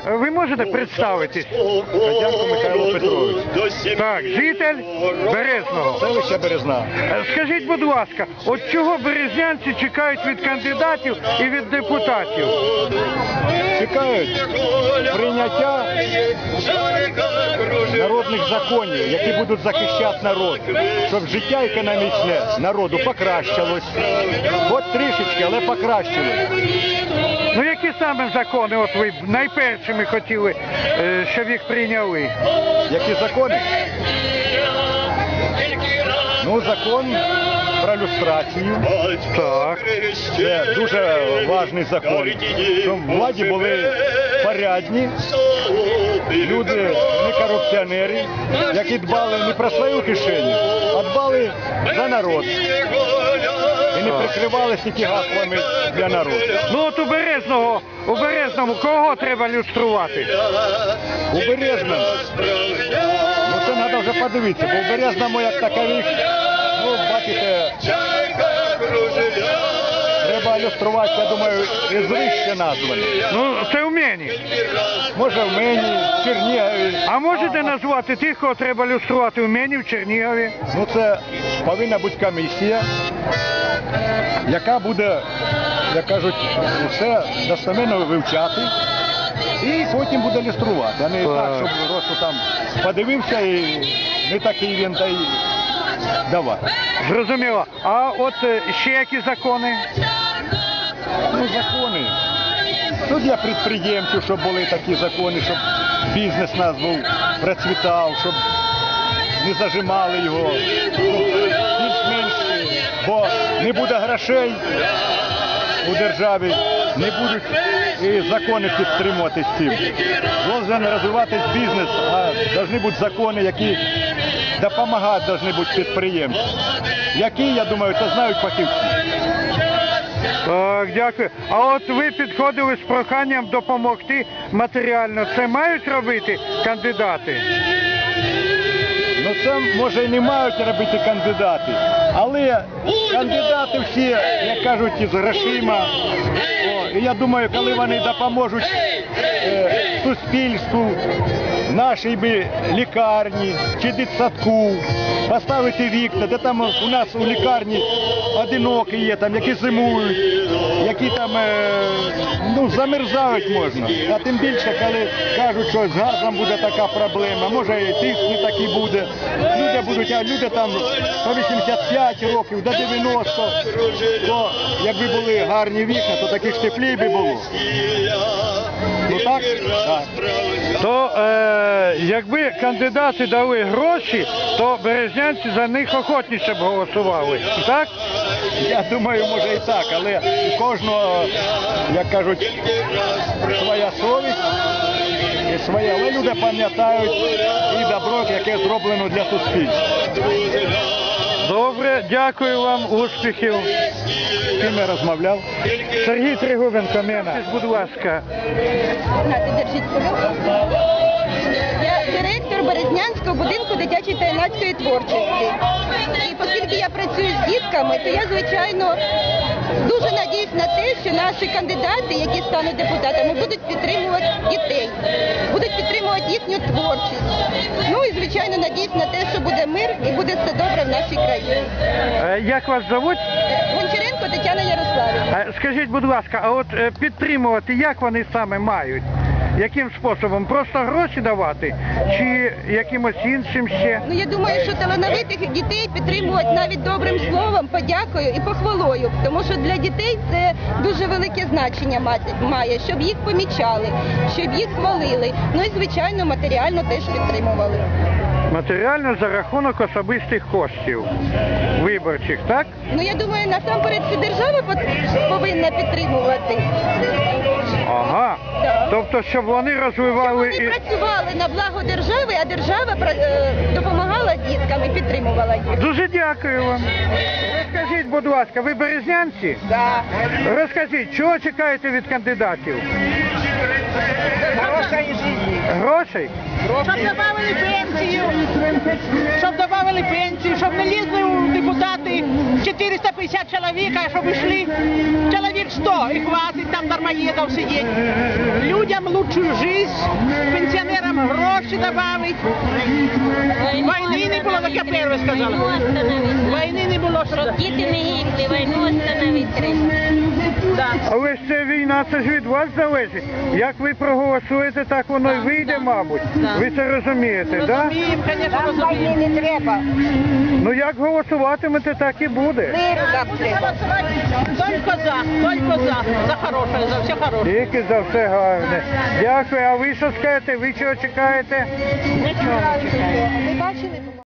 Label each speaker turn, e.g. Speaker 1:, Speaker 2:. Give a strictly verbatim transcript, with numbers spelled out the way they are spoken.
Speaker 1: ви можете представитись?
Speaker 2: Радянко Михайло Петрович.
Speaker 1: Так, житель Березного.
Speaker 2: Селища Березна.
Speaker 1: Скажіть, будь ласка, от чого березнянці чекають від кандидатів і від депутатів?
Speaker 2: Чекають прийняття народних законів, які будуть захищати народ, щоб життя економічне народу покращилось. Хоч трішечки, але покращилось.
Speaker 1: Ну які саме закони от ви найпершими хотіли, щоб їх прийняли?
Speaker 2: Які закони? Ну, закон про люстрацію.
Speaker 1: Так.
Speaker 2: Це дуже важний закон, щоб в владі були порядні люди, не корупціонери, які дбали не про свою кишеню, а дбали за народ. І не прикривалися тільки гаслами для народу.
Speaker 1: Ну от у Березного, у Березному кого треба люструвати?
Speaker 2: У Березному, ну це треба вже подивитися, бо у Березному як такових, ну бачите, треба люструвати, я думаю, із вище названі.
Speaker 1: Ну це в мені.
Speaker 2: Може в мені, в Чернігові.
Speaker 1: А можете назвати тих, кого треба люструвати в мені, в Чернігові?
Speaker 2: Ну це повинна бути комісія, яка буде, як кажуть, все достеменно вивчати і потім буде люструвати. А не так, щоб просто там подивився і не такий він та й давай.
Speaker 1: Зрозуміло. А от ще які закони?
Speaker 2: Ну закони. Ну для підприємців, щоб були такі закони, щоб бізнес нас був процвітав, щоб не зажимали його, більш-менш, бо не буде грошей у державі, не будуть і закони підтримувати з цим. Должен розвиватись бізнес, а повинні бути закони, які допомагають повинні бути підприємцям. Які, я думаю, це знають фахівці.
Speaker 1: Так, дякую. А от ви підходили з проханням допомогти матеріально. Це мають робити кандидати?
Speaker 2: Ну це, може, і не мають робити кандидати, але кандидати всі, як кажуть, із грошима. О, і я думаю, коли вони допоможуть е, суспільству, нашій би лікарні чи дитсадку, поставити вікна, де там у нас у лікарні одинокі є, там, які зимують, які там е, ну, замерзають можна. А тим більше, коли кажуть, що з газом буде така проблема, може і тиск не такий буде. Люди будуть, а люди там по вісімдесят п'ять років, до дев'яноста, то якби були гарні вікна, то таких теплій би було. Ну так? Так.
Speaker 1: То е, якби кандидати дали гроші, то березнянці за них охотніше б голосували. Так?
Speaker 2: Я думаю, може і так, але у кожного, як кажуть, своя совість і своє. Але люди пам'ятають і добро, яке зроблено для суспільства.
Speaker 1: Добре, дякую вам, успіхів.
Speaker 2: З ким я розмовляв?
Speaker 1: Сергій Тригубенко, Мена. Будь ласка.
Speaker 3: Я директор Березнянського будинку дитячої та юнацької творчості. І оскільки я працюю з дітками, то я, звичайно, дуже надіюсь на те, що наші кандидати, які стануть депутатами, будуть підтримувати дітей, будуть підтримувати їхню творчість. Ну і, звичайно, надіюсь на те, що буде мир і буде все добре в нашій країні.
Speaker 1: Як вас звуть?
Speaker 3: Гончаренко Тетяна Ярославівна.
Speaker 1: Скажіть, будь ласка, а от підтримувати як вони саме мають? Яким способом? Просто гроші давати? Чи якимось іншим ще?
Speaker 3: Ну, я думаю, що талановитих дітей підтримувати навіть добрим словом, подякою і похвалою. Тому що для дітей це дуже велике значення має, щоб їх помічали, щоб їх хвалили. Ну і, звичайно, матеріально теж підтримували.
Speaker 1: Матеріально за рахунок особистих коштів виборчих, так?
Speaker 3: Ну, я думаю, насамперед це держава повинна підтримувати.
Speaker 1: Ага.
Speaker 3: Так.
Speaker 1: Тобто, щоб вони розвивали...
Speaker 3: Щоб вони працювали на благо держави, а держава е, допомагала діткам і підтримувала їх.
Speaker 1: Дуже дякую вам. Розкажіть, будь ласка, ви березнянці?
Speaker 3: Так.
Speaker 1: Розкажіть, чого чекаєте від кандидатів?
Speaker 4: Грошей.
Speaker 1: Грошей?
Speaker 4: Щоб добавили пенсію, щоб добавили пенсію, щоб не лізли у депутати чотириста п'ятдесят чоловіка, щоб йшли чоловік сто і хватить там дармоєдов сидіти. Людям лучшу життя, пенсіонерам гроші добавить. Війни не було, так я перше сказала. Війни не було, що...
Speaker 5: Щоб діти не гибли, війну остановити треба.
Speaker 4: Да.
Speaker 1: Але ж це війна, це ж від вас залежить. Як ви проголосуєте, так воно й вийде, мабуть. Ви це розумієте, так? Да?
Speaker 4: Розуміємо, звісно, розуміємо.
Speaker 3: не треба.
Speaker 1: Ну як голосуватимете, так і буде.
Speaker 3: Миру нам треба.
Speaker 4: Тільки за, тільки за, за хороше, за все хороше.
Speaker 1: Тільки за все гарне. Дякую. А ви що скажете? Ви чого чекаєте?
Speaker 3: Ви бачили?